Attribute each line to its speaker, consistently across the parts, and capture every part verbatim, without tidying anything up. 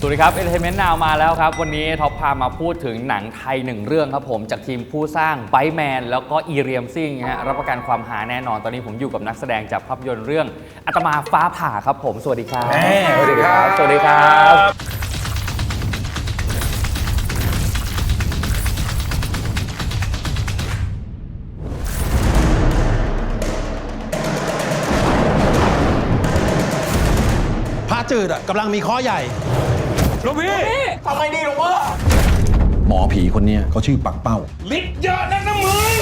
Speaker 1: สวัสดีครับ Entertainment Now มาแล้วครับวันนี้ท็อปพามาพูดถึงหนังไทยหนึ่งเรื่องครับผมจากทีมผู้สร้างไบแมนแล้วก็อีเรียมซิ่งฮะรับประกันความหาแน่นอนตอนนี้ผมอยู่กับนักแสดงจากภาพยนตร์เรื่องอาตมาฟ้าผ่าครับผมสวัสดีครับ
Speaker 2: สวัสดีครับ
Speaker 1: สวัสดีครับ
Speaker 3: พระจืดอ่ะกำลังมีข้อใหญ่
Speaker 2: หลวงพี่ทำไมดีหลวงพ่อ
Speaker 3: หมอผีคนนี้เขาชื่อปักเป้า
Speaker 2: ฤทธิ์เยอะนักนะมึง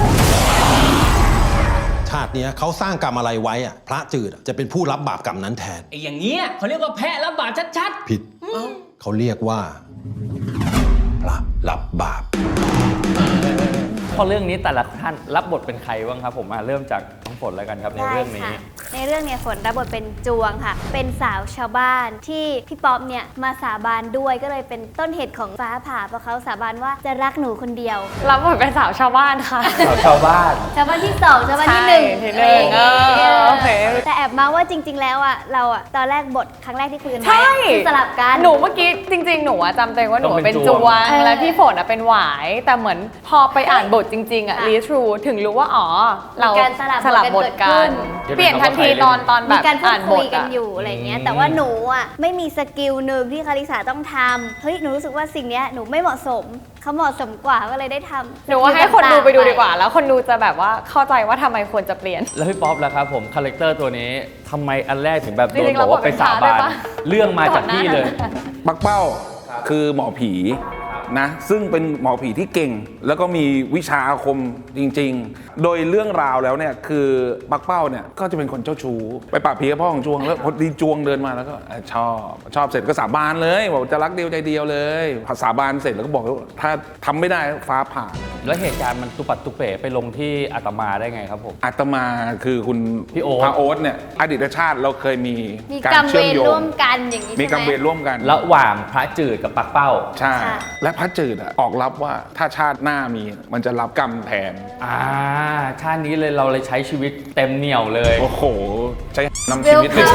Speaker 3: ชาตินี้เขาสร้างกรรมอะไรไว้อ่ะพระจืดจะเป็นผู้รับบาปกรรมนั้นแทน
Speaker 4: ไอ้อย่างเงี้ยเขาเรียกว่าแพะรับบาปชัด
Speaker 3: ๆผิดเขาเรียกว่าพระรับบาป
Speaker 1: พอเรื่องนี้แต่ละท่านรับบทเป็นใครบ้างครับผมมาเริ่มจากน้องฝนแล้วกันครับในเรื่องนี้
Speaker 5: ในเรื่องเนี่ยฝนรับบทเป็นจวงค่ะเป็นสาวชาวบ้านที่พี่ป๊อปเนี่ยมาสาบานด้วยก็เลยเป็นต้นเหตุของฟ้าผ่าเพราะเขาสาบานว่าจะรักหนูคนเดียว
Speaker 6: รับบทเป็นสาวชาวบ้านค่ะ
Speaker 1: สาวชาวบ้าน
Speaker 5: ชาวบ้านที่สองชาวบ้านที่หนึ่ง
Speaker 6: ที่หนึ่งโอเค
Speaker 5: แต่แอบมาว่าจริงๆแล้วอ่ะเราอ่ะตอนแรกบทครั้งแรกที่คุยกันไว้คือสลับกัน
Speaker 6: หนูเมื่อกี้จริงๆหนูจำตัวเองว่าหนูเป็นจวงและพี่ฝนเป็นหวายแต่เหมือนพอไปอ่านบทจริงๆอ่ะรีทรูถึงรู้ว่าอ๋อเราสลับบทกันเปลี่ยนทันทีตอนตอนแบบ
Speaker 5: อ่านบทกันอยู่อะไรเงี้ยแต่ว่าหนูอ่ะไม่มีสกิลหนึ่งที่คาริสาต้องทำเฮ้ยหนูรู้สึกว่าสิ่งเนี้ยหนูไม่เหมาะสมเขาเหมาะสมกว่าก็เลยได้ทำ
Speaker 6: หนูว่าให้คนดูไปดูดีกว่าแล้วคนดูจะแบบว่าเข้าใจว่าทำไมควรจะเปลี่ยน
Speaker 1: แล้วพี่ป๊อปล่ะครับผมคาแรคเตอร์ตัวนี้ทำไมอันแรกถึงแบบโดนบอกว่าไปสาบานเรื่องมาจากพี่เลย
Speaker 2: ปักเป้าคือหมอผีนะซึ่งเป็นหมอผีที่เก่งแล้วก็มีวิชาอาคมจริงๆโดยเรื่องราวแล้วเนี่ยคือปักเป้าเนี่ยก็จะเป็นคนเจ้าชู้ไปปราบผีกับพ่อของจวงแล้วพอดีจวงเดินมาแล้วก็ชอบชอบเสร็จก็สาบานเลยบอกจะรักเดียวใจเดียวเลยพอสาบานเสร็จแล้วก็บอกว่าถ้าทำไม่ได้ฟ้าผ่า
Speaker 1: แล้วเหตุการณ์มันตุปัดตุเป๋ไปลงที่อาตมาได้ไงครับผม
Speaker 2: อาตมาคือคุณ
Speaker 1: พี่โอ๊ต
Speaker 2: พระโอ๊ตเนี่ยอดีตชาติเราเคยมี
Speaker 5: การเชื่อมโยงร่วมกันอย่างนี้
Speaker 2: มีกรรมเวรร่วมกัน
Speaker 1: ระหว่างพระจืดกับปักเป้า
Speaker 2: ใช่และพระจืดออกรับว่าถ้าชาติหน้ามีมันจะรับกรรมแทน
Speaker 1: อ่าชาตินี้เลยเราเลยใช้ชีวิตเต็มเหนี่ยวเลย
Speaker 2: โอ้โหใช้นำชีวิตเลย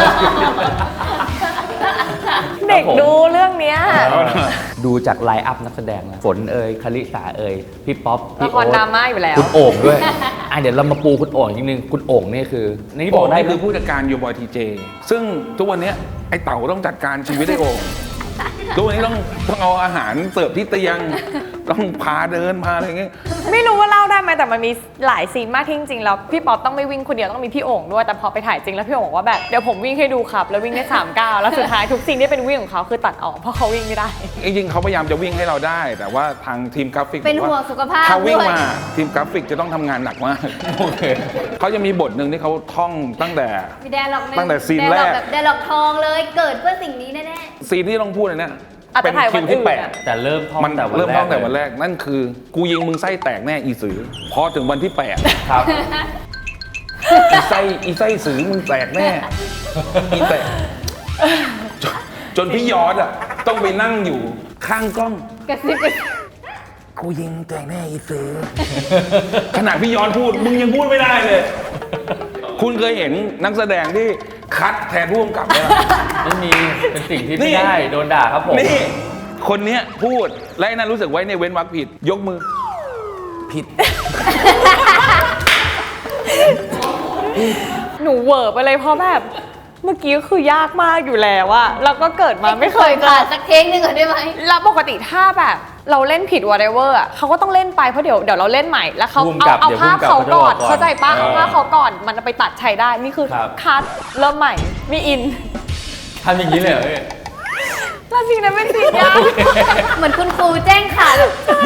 Speaker 6: เด็กดูเรื่องนี้
Speaker 1: ดูจากไลน์อัพนักแสดงนะฝนเอ่ยคาริสาเอ่ยพี่ป๊อป
Speaker 6: ละครดราม่าอยู่แล้ว
Speaker 1: คุณโอ่งด้วยอ่ะเดี๋ยวเรามาปูคุณโอ่งนิดนึงคุณโอ่งนี่คือ
Speaker 2: นี่บอกได้คือผู้จัดการยูบอยทีเจซึ่งทุกวันนี้ไอ้เต่าต้องจัดการชีวิตไอ้โอ่งทุกวันนี้ต้องต้องเอาอาหารเสิร์ฟที่เตียงต้องพาเดินพาอะไรอย่างเงี้ย
Speaker 6: ไม่รู้ว่าเล่าได้ไหมแต่มันมีหลายซีนมากที่จริงๆแล้วพี่ป๊อปต้องไม่วิ่งคนเดียวต้องมีพี่โอ่งด้วยแต่พอไปถ่ายจริงแล้วพี่โอ่งบอกว่าแบบเดี๋ยวผมวิ่งให้ดูครับแล้ววิ่งได้สามก้าวแล้วสุดท้ายทุกซีนที่เป็นวิ่งของเขาคือตัดออกเพราะเขาวิ่งไม่ได้
Speaker 2: จริงๆเขาพยายามจะวิ่งให้เราได้แต่ว่าทางทีมกราฟิก
Speaker 5: เป็นห่วงสุขภาพ
Speaker 2: ถ้าวิ่งมาทีมกราฟิกจะต้องทำงานหนักมากโอเคเขาจะมีบทหนึ่งที่เขาท่องตั้งแต่ตั้งแต่ซีนแรก
Speaker 5: เดล็อกทองเลยเกิดเพื่อสิ่งนี้แน่
Speaker 2: ๆซีนที่ต้องพูดเลยเนี่ย
Speaker 6: เป็นคิวที่แปด
Speaker 1: แต่เริ่มท่องแต่วันแรก
Speaker 2: เริ่มท่องแต่วันแรกนั่นคือกูยิงมึงไส้แตกแน่อีสือพอถึงวันที่แปดครับอีไส้อีไส้สือมึงแตกแน่อีแตกจนพี่ยอดอ่ะต้องไปนั่งอยู่ข้างกล้อง
Speaker 5: กระซิบ
Speaker 2: กูยิงแตกแน่อีสือขนาดพี่ยอดพูดมึงยังพูดไม่ได้เลยคุณเคยเห็นนักแสดงที่คัดแทนผู้กำกับไหมล่ะ
Speaker 1: ไม่มีเป็นสิ่งที่ไม่ได้โดนด่าครับผม
Speaker 2: นี่คนเนี้ยพูดและนั้นรู้สึกไว้ในเว้นวรรคผิดยกมือผิด
Speaker 6: หนูเวอร์ไปเลยเพราะแบบเมื่อกี้คือยากมากอยู่แล้วอะแล้วก็เกิดมาไม่เคย
Speaker 5: ผ่านสักเทคนึงก่อนได้ไหม
Speaker 6: แล้วปกติถ้าแบบเราเล่นผิด whatever อ่ะเขาก็ต้องเล่นไปเพราะเดี๋ยวเดี๋ยวเราเล่นใหม่แล้วเขาเอาเอาภาพเขาก่อนเข้าใจปะเอาภาพเขาก่อนมันจะไปตัดใช้ได้นี่คือคัดเริ่มใหม่มีอิน
Speaker 1: ทำอย่างนี้เลยเหรอ
Speaker 6: แล้วจริงนะไม่จริงยาก
Speaker 5: เหมือนคุณครูแจ้งข่าวใช่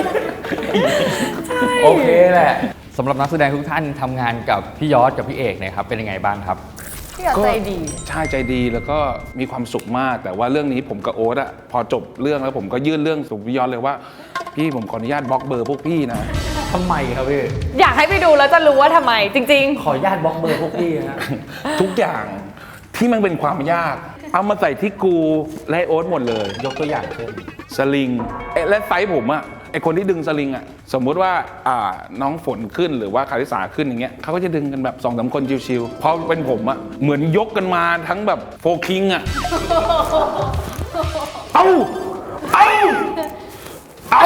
Speaker 1: โอเคแหละสำหรับนักแสดงทุกท่านทำงานกับพี่ยอดกับพี่เอกเนี่ยครับเป็นยังไงบ้างครับ
Speaker 6: พี่ยอดใจดี
Speaker 2: ใช่ใจดีแล้วก็มีความสุขมากแต่ว่าเรื่องนี้ผมกับโอ๊ตอะพอจบเรื่องแล้วผมก็ยื่นเรื่องสู่พี่ยอดเลยว่าพี่ผมขออนุญาตบล็อกเบอร์พวกพี่นะ
Speaker 1: ทำไมครับพี่
Speaker 6: อยากให้ไปดูแล้วจะรู้ว่าทำไมจริง
Speaker 1: ๆขออนุญาตบล็อกเบอร์พวกพี่นะ
Speaker 2: ทุกอย่างที่มันเป็นความยากเอามาใส่ที่กูและโอ๊ตหมดเลย
Speaker 1: ยกตัวอย่างเช่น
Speaker 2: สลิงและไซส์ผมอะไอคนที่ดึงสลิงอะสมมุติว่าอ่าน้องฝนขึ้นหรือว่าคาริสาขึ้นอย่างเงี้ยเขาก็จะดึงกันแบบสองสามคนชิวๆพอเป็นผมอะเหมือนยกกันมาทั้งแบบโฟคิงอะเอาเอาเอา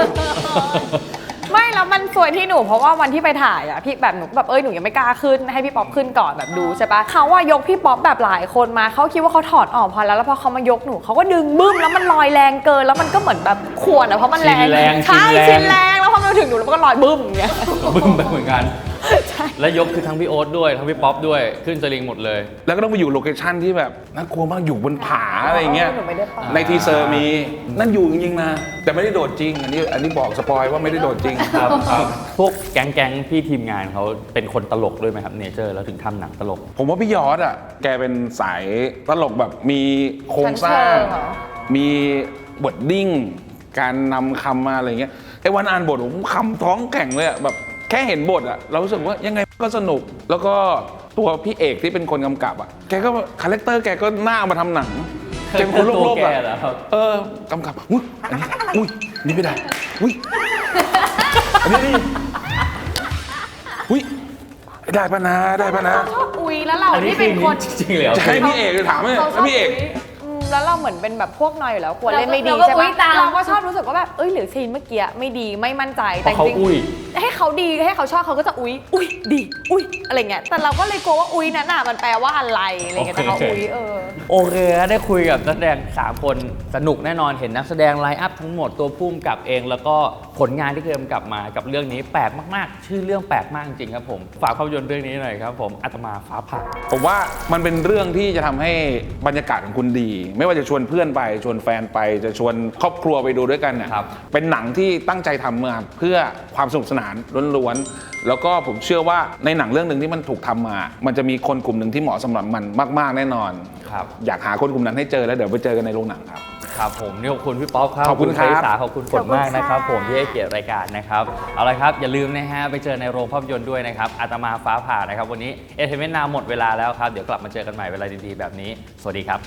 Speaker 6: ไม่แล้วมันสวยที่หนูเพราะว่าวันที่ไปถ่ายอะพี่แบบหนูแบบเอ้ยหนูยังไม่กล้าขึ้นให้พี่ป๊อปขึ้นก่อนแบบดูใช่ปะเขาว่ายกพี่ป๊อปแบบหลายคนมาเขาคิดว่าเขาถอดออกพอแล้วแล้วพอเขามายกหนูเขาก็ดึงบึ้มแล้วมันลอยแรงเกินแล้วมันก็เหมือนแบบขวนอะเพราะมันแรง
Speaker 1: ชินแรง
Speaker 6: ใช่
Speaker 1: ชิ
Speaker 6: ชิ
Speaker 1: น
Speaker 6: น
Speaker 1: แร
Speaker 6: แรง งแล้วพอมาถึงหนูแล้วมันก็ลอยบึ้มอย่างเงี้ย
Speaker 1: บึ้มไปเหมือนกัน และยกคือทั้งพี่โอ๊ตด้วยทั้งพี่ป๊อปด้วยขึ้นสลิงหมดเลย
Speaker 2: แล้วก็ต้องไปอยู่โลเคชั่นที่แบบน่ากลัวมากอยู่บนผาอะไรอย่างเงี้ย
Speaker 6: หนูไม่ได้ไป
Speaker 2: ในทีเซอร์มีนั่นอยู่จริงๆนะ แต่ไม่ได้โดดจริง อันนี้อันนี้บอกสปอยว่าไม่ได้โดดจริง
Speaker 1: ครับครับพวกแก๊งแก๊งๆพี่ทีมงานเขาเป็นคนตลกด้วยไหมครับเนเจอร์แล้วถึงทำหนังตลก
Speaker 2: ผมว่าพี่ยอดอ่ะแกเป็นสายตลกแบบมีโครงสร้าง
Speaker 6: ชั้นเชิงเหรอ
Speaker 2: มีบทดิ้ง การนำคำมาอะไรเงี้ยไอ้วันอ่านบทผมคำท้องแข็งเลยอ่ะแบบแค่เห็นบทอ่ะเรารู้สึกว่ายังไงก็สนุก แล้วก็ตัวพี่เอกที่เป็นคนกำกับอ่ะแกก็คาแรคเตอร์แกก็หน้ามาทำหนังแกเป็นคนโลกๆ
Speaker 1: ตัว
Speaker 2: อ่ะ
Speaker 1: แกเหรอครับ
Speaker 2: เออกำกับอุ้ยอันนี้อุ้ยนี่ไม่ได้อุ้ยอันนี้นี่อุ้ยได้ปะนะได้ปะนะ
Speaker 6: ชอบอุ้ยแล้วเรา
Speaker 1: อันนี้
Speaker 6: ที่
Speaker 1: คื
Speaker 6: เป็
Speaker 1: อน
Speaker 6: คน
Speaker 1: จริงๆเลยเหรอ
Speaker 2: จะให้พี่เอกถามไหม
Speaker 6: เขาช
Speaker 2: แล้ว
Speaker 6: อบ
Speaker 2: พี่เอก
Speaker 6: ยอืมแล้วเราเหมือนเป็นแบบพวกนอยอยู่แล้วกลัวเล่นไม่ดี
Speaker 5: เราก็
Speaker 6: ใช่
Speaker 5: อุ๊
Speaker 6: ปะ
Speaker 5: ยตาม
Speaker 6: เราก็ชอบรู้สึกว่าแบบเอ้ยหรือซีนเมื่อกี้ไม่ดีไม่มั่นใจแต่
Speaker 1: เพราะ
Speaker 6: จริง
Speaker 1: เขาอุ้ย
Speaker 6: ให้เขาดีให้เขาชอบเขาก็จะอุ้ยอุ้ยดีอุ้ยอะไรเงี้ยแต่เราก็เลยกลัวว่าอุ้ยนั้นน่ะมันแปลว่าอะไรอะไรเงี้ยแต่เขาอุ้ยเออ
Speaker 1: โอเคครับได้คุยกับนักแสดงสามคนสนุกแน่นอนเห็นนักแสดงไลน์อัพทั้งหมดตัวพุ่มกับเอง แล้วก็ผลงานที่เคยกำกับมากับเรื่องนี้แปลกมากๆ ชื่อเรื่องแปลกมากจริงครับผมฝากภาพยนตร์เรื่องนี้หน่อยครับผมอาตมาฟ้าผ่า
Speaker 2: ผมว่ามันเป็นเรื่องที่จะทำให้บรรยากาศของคุณดี ไม่ว่าจะชวนเพื่อนไปชวนแฟนไปจะชวนครอบครัวไปดูด้วยกันเนี่ย
Speaker 1: ครับ
Speaker 2: เป็นหนังที่ตั้งใจทำมาเพื่อความสนุกสนานล้วนๆแล้วก็ผมเชื่อว่าในหนังเรื่องหนึ่งที่มันถูกทำมา มันจะมีคนกลุ่มหนึ่งที่เหมาะสำหรับมันมาก ๆแน่นอน
Speaker 1: ครับ
Speaker 2: อยากหาคนกลุ่มนั้นให้เจอแล้วเดี๋ยวไปเจอกันในโรงหนังครับ
Speaker 1: ครับผมนี่ขอบคุณพี่ป๊อปครับ
Speaker 2: ขอบคุณครับ
Speaker 1: ไพศาลขอบคุณฝนมากนะครับ
Speaker 5: ขอบ
Speaker 1: ผ
Speaker 5: คุณ
Speaker 1: ม
Speaker 5: ค่ะ
Speaker 1: ที่ให้เกียรติรายการนะครับเอาละครับอย่าลืมนะฮะไปเจอในโรงภาพยนตร์ด้วยนะครับอาตมาฟ้าผ่านะครับวันนี้เอเทเมนนาหมดเวลาแล้วครับเดี๋ยวกลับมาเจอกันใหม่เวลาดีๆแบบนี้สวัสดีครับ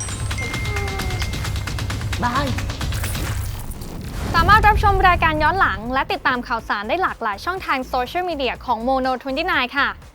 Speaker 7: สามารถรับชมรายการย้อนหลังและติดตามข่าวสารได้หลากหลายช่องทางโซเชียลมีเดียของ โมโน ยี่สิบเก้า ค่ะ